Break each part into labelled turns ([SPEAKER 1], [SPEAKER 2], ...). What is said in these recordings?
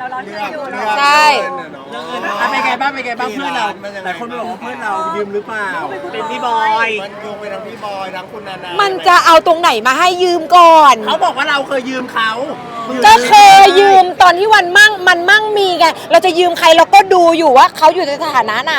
[SPEAKER 1] ร้อนเงินอยู่
[SPEAKER 2] ใช่
[SPEAKER 3] เป็นไงบ้างเพื่อนเราหลายคนบอกว่าเพื่อนเรายืมหรือเปล่า
[SPEAKER 4] เป็นพี่บอย
[SPEAKER 3] มันโยงไปทั้งพี่บอยทั้งคุณนานา
[SPEAKER 2] มันจะเอาตรงไหนมาให้ยืมก่อน
[SPEAKER 3] เขาบอกว่าเราเคยยืมเขา
[SPEAKER 2] ก็เคยยืมตอนที่มันมั่งมีไงเราจะยืมใครเราก็ดูอยู่ว่าเขาอยู่ในสถานะไหน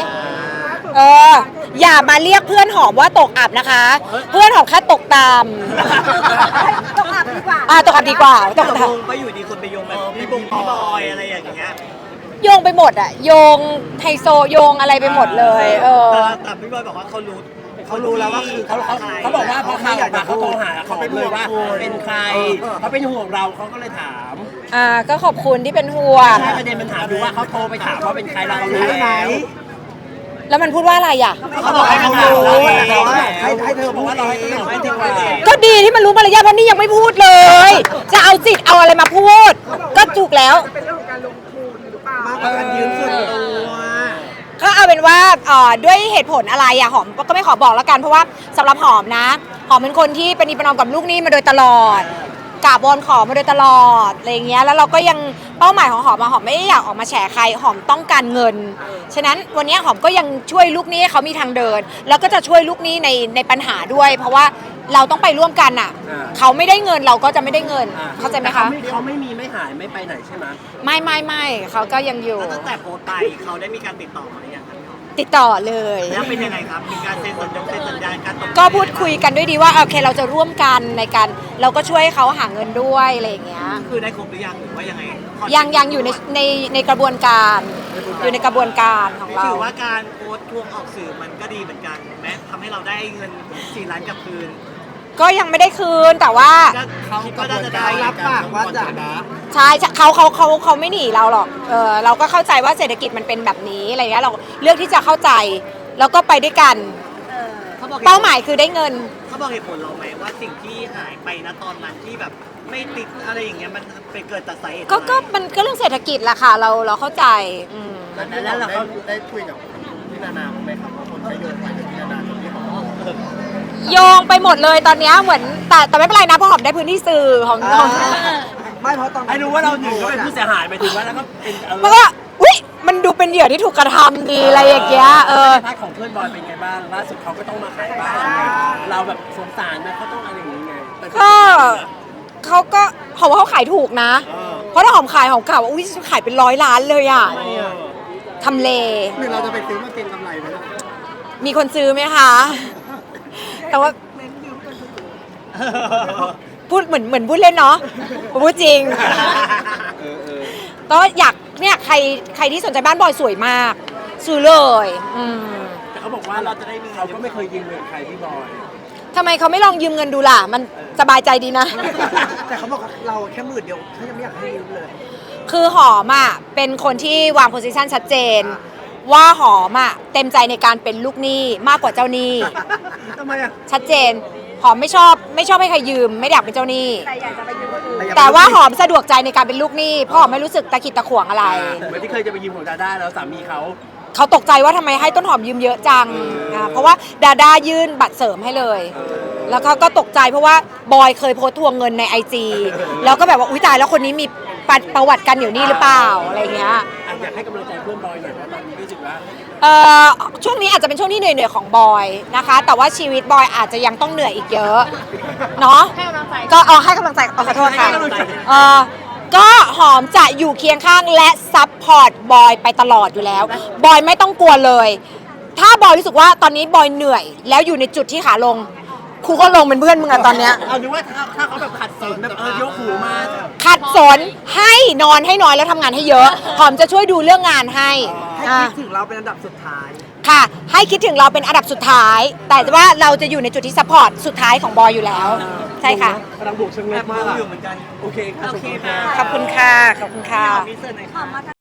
[SPEAKER 2] อย่ามาเรียกเพื่อนหอมว่าตกอับนะคะ เพื่อนหอมแค่ตกตาม
[SPEAKER 1] ตกอับดีกว่า
[SPEAKER 2] ตกอับดีกว่าตกตาม
[SPEAKER 4] ก็อยู่ดีคนไปโยงแบบพี่บอยอะไรอย่างเงี้ย
[SPEAKER 2] โยงไปหมดอะโยงไฮโซโยงอะไรไปหมดเลย
[SPEAKER 4] แต่พี่บอยบอกว่าเขา
[SPEAKER 3] รู้แล้วว่าคือเขาบอกว่าพอข่าวออกมาเขาโทรหาเขาเลยว่าเป็นใครเขาเป็นห่วงเราเขาก็เลยถาม
[SPEAKER 2] ก็ขอบคุณที่เป็นห่วง
[SPEAKER 3] ใช่ประเด็นมันถามดูว่าเขาโทรไปถามว่าเป็นใครเรารู้
[SPEAKER 2] แล้วมันพูดว่าอะไรอ่ะ
[SPEAKER 3] เขาบอกให้เขารู้ให้เธอบอกว่าเราให้เธอดีกว่า
[SPEAKER 2] ก็ดีที่มันรู้มารยาทเพราะนี่ยังไม่พูดเลยจะเอาจิตเอาอะไรมาพูดก็ถูกแล้ว
[SPEAKER 1] เป็นเรื่องของการลงทุนหรือเปล่า
[SPEAKER 3] การยืมส่วนตัว
[SPEAKER 2] ก็เอาเป็นว่าด้วยเหตุผลอะไรอะหอมก็ไม่ขอบอกแล้วกันเพราะว่าสำหรับหอมนะหอมเป็นคนที่ประนีประนอมกับลูกหนี้มาโดยตลอดกราบวอนขอมาโดยตลอดอะไรเงี้ยแล้วเราก็ยังเป้าหมายของหอมหอมไม่ได้อยากออกมาแฉใครหอมต้องการเงินฉะนั้นวันนี้หอมก็ยังช่วยลูกหนี้ให้เขามีทางเดินแล้วก็จะช่วยลูกหนี้ในปัญหาด้วยเพราะว่าเราต้องไปร่วมกันอะเขาไม่ได้เงินเราก็จะไม่ได้เงินเข้าใจไหมคะ
[SPEAKER 3] เขาไม่มีไม่หายไม่ไปไหนใช่ไหม
[SPEAKER 2] ไม่เขาก็ยังอยู่
[SPEAKER 4] ตั้งแต่โพสต์ไปเขาได้มีการติดต่อมาหรือยัง
[SPEAKER 2] ติดต่อเลย
[SPEAKER 4] แล้วเป็นยังไงครับมีการเซ็นสัญญาการ
[SPEAKER 2] ก็พูดคุยกันด้วยดีว่าโอเคเราจะร่วมกันในการเราก็ช่วยเขาหาเงินด้วยอะไรอย่างเงี้ย
[SPEAKER 4] คือได้ครบหรือยังหรือว่ายังไง
[SPEAKER 2] ยังอยู่ในกระบวนการอยู่ในกระบวนการของเรา
[SPEAKER 4] ถือว่าการโพสต์ทวงออกสื่อมันก็ดีเหมือนกันแม้ทำให้เราได้เงิน4 ล้านกลับคืน
[SPEAKER 2] ก็ยังไม่ได้คืนแต่ว่า
[SPEAKER 4] เขาก็จะได้รับปากว่าจะ
[SPEAKER 2] ใช่เขาไม่หนีเราหรอกเราก็เข้าใจว่าเศรษฐกิจมันเป็นแบบนี้อะไรเงี้ยเราเลือกที่จะเข้าใจแล้วก็ไปด้วยกันเป้าหมายคือได้เงิน
[SPEAKER 4] เขาบอกเหตุผลเราไหมว่าสิ่งที่หายไปณตอนนั้นที่แบบไม่ติดอะไรอย่างเงี้ยมันเป็นเกิดจากสาเหตุ
[SPEAKER 2] ก็มันก็เรื่องเศรษฐกิจแหละค่ะเราเข้าใจ
[SPEAKER 3] แล้วเราได้คุยกับพี่นานาบ้างไหมครับว่าคนใช้โยงไปกับพี่นานาคนที่เขา
[SPEAKER 2] โยงไปหมดเลยตอนนี้เหมือนแต่ไม่เป็นไรนะเพราะหอมได้พื้นที่สื่อหอม
[SPEAKER 3] ไม่เพราะตอนไอ้รู้ว่าเราหนึ่งก็เป็นผู้เสียหายไปถึงว่าแล้วก็เป็น
[SPEAKER 2] มันก็อุ๊ยมันดูเป็นเหยื่อที่ถูกกระทำดีอะไรอย่างเงี้ย
[SPEAKER 3] พาร์ทของเพื่อนบอยเป็นไงบ้างล่าสุดเขาก็ต้องมาขายบ้านเราแบบสงสารนะเขาต้องอะไรอย่างเงี้ย
[SPEAKER 2] ก็เขาก็หอมว่าเขาขายถูกนะเพราะถ้าหอมขายหอมกล่าวว่าอุ๊ยขายเป็น100 ล้านเลยอ่ะทำเล
[SPEAKER 3] หรือเราจะไปซื้อมาเก็งกำไรไหมล่ะ
[SPEAKER 2] มีคนซื้อไหมคะแต่ว่าพูดเหมือนพูดเล่นเนาะพูดจริงก็อยากเนี่ยใครที่สนใจบ้านบอยสวยมากซื้อเลย
[SPEAKER 3] แต่เขาบอกว่าเราจะได้เขาก็ไม่เคยยืมเงินใครพี่บอย
[SPEAKER 2] ทำไมเขาไม่ลองยืมเงินดูล่ะมันสบายใจดีนะ
[SPEAKER 3] แต่เขาบอกเราแค่10,000เขายังไม่อยากให้ยืมเลย
[SPEAKER 2] คือหอมอ่ะเป็นคนที่วางโพสิชันชัดเจนว่าหอมอ่ะเต็มใจในการเป็นลูกหนี้มากกว่าเจ้าหนี้
[SPEAKER 3] ทำไมอ่ะ
[SPEAKER 2] ชัดเจนหอมไม่ชอบให้ใครยืมไม่อยากเป็นเจ้าหนี้
[SPEAKER 1] แต่อยากจะไปยืมคนอื่น
[SPEAKER 2] แต่ว่าหอมสะดวกใจในการเป็นลูกหนี้เพราะหอมไม่รู้สึกตะขิดตะขวงอะไร
[SPEAKER 3] เหมือนที่เคยจะไปยืมของดาด้าแล้วสามี
[SPEAKER 2] เขาตกใจว่าทำไมให้ต้นหอมยืมเยอะจังเพราะว่าดาด้ายื่นบัตรเสริมให้เลยแล้วเขาก็ตกใจเพราะว่าบอยเคยโพสต์ทวงเงินใน IG แล้วก็แบบว่าอุ๊ยตายแล้วคนนี้มีประวัติกันอยู่นี่หรือเปล่าอะไรเงี้ย
[SPEAKER 3] อยากให้กำลังใจเพื่อนบอยหน่อยเพราะตอนนี้รู้สึกว่า
[SPEAKER 2] ช่วงนี้อาจจะเป็นช่วงที่เหนื่อยของบอยนะคะแต่ว่าชีวิตบอยอาจจะยังต้องเหนื่อยอีกเยอะเนาะ
[SPEAKER 1] ให้กำลังใจ
[SPEAKER 2] ก็ให้กำลังใจขอโทษค่ะก็หอมจะอยู่เคียงข้างและซัพพอร์ตบอยไปตลอดอยู่แล้วบอยไม่ต้องกลัวเลยถ้าบอยรู้สึกว่าตอนนี้บอยเหนื่อยแล้วอยู่ในจุดที่ขาลงครูก็ลงเป็นเพื่อนมึงอะตอนเนี้ย
[SPEAKER 3] เอาดูว่าถ้าเขาแบบขัดสนแบบยกหูมา
[SPEAKER 2] ขัดสนให้นอนให้น้อยแล้วทำงานให้เยอะหอมจะช่วยดูเรื่องงานให้
[SPEAKER 3] คิดถึงเราเป็นอันดับสุดท้าย
[SPEAKER 2] ค่ะให้คิดถึงเราเป็นอันดับสุดท้ายแต่ว่าเราจะอยู่ในจุดที่ซัพพอร์ตสุดท้ายของบอยอยู่แล้วใช่ค่ะ
[SPEAKER 3] กำลังบุกเชิงเล็กมาก
[SPEAKER 4] อยู่เหมือนกัน
[SPEAKER 3] โอเค
[SPEAKER 4] ค่ะ
[SPEAKER 2] ขอบคุณค่ะ